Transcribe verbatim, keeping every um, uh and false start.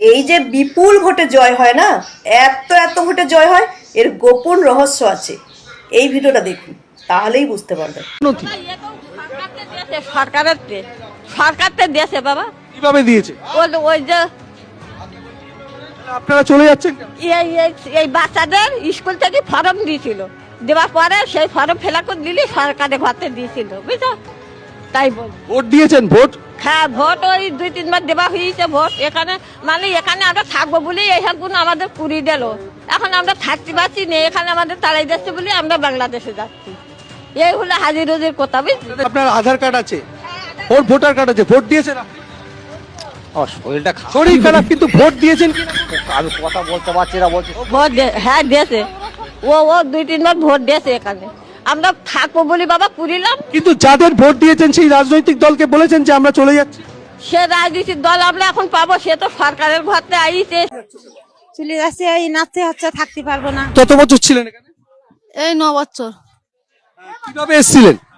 এই যে বিপুল ভোটে জয় হয় না, এত এত ভোটে জয় হয়, এর গোপন রহস্য আছে। এই ভিডিওটা দেখুন, তাহলেই বুঝতে পারবেন। সরকারের সরকার দিয়েছে বাবা। কিভাবে দিয়েছে? ওই যে আপনারা চলে যাচ্ছেন? এই বাচ্চাদের স্কুল থেকে ফর্ম দিয়েছিল, দেওয়ার পরে সেই ফর্ম ফিল আপ করে দিলি সরকারের ঘরতে দিয়েছিল, বুঝছো? তাই বল ভোট দিয়েছেন? ভোট হ্যাঁ, ভোট ওই দুই তিনবার দেওয়া হয়েছে ভোট। এখানে মানে এখানে আমরা থাকবো বলে এইসব গুণ আমাদের পুরি দিল। এখন আমরা থাকতে পারছি না, এখানে আমাদের তাড়াই যাচ্ছে বলে আমরা বাংলাদেশে যাচ্ছি। এই হলো হাজির রোজির কথা, বুঝলি? আপনার আধার কার্ড আছে, ভোট ভোটার কার্ড আছে, ভোট দিয়েছেন? আমার শরীরটা খারাপ। শরীর খারাপ কিন্তু ভোট দিয়েছেন কি? আমি কথা বলতে পারছি না, বলছি ভোট দে- হ্যাঁ দিয়েছে, ও ও দুই তিনবার ভোট দিয়েছে। এখানে আমরা থাকবো বলি বাবা পুরিলাম। কিন্তু যাদের ভোট দিয়েছেন সেই রাজনৈতিক দলকে বলেছেন যে আমরা চলে যাচ্ছি। সে রাজনীতির দল আমরা এখন পাবো, সে তো সরকারের ঘরতে আইছে। চলে যাচ্ছে, এই নাচতে হচ্ছে, থাকতে পারবো না। কত বছর ছিলেন এখানে? এই ন বছর। কিভাবে এসেছিলেন?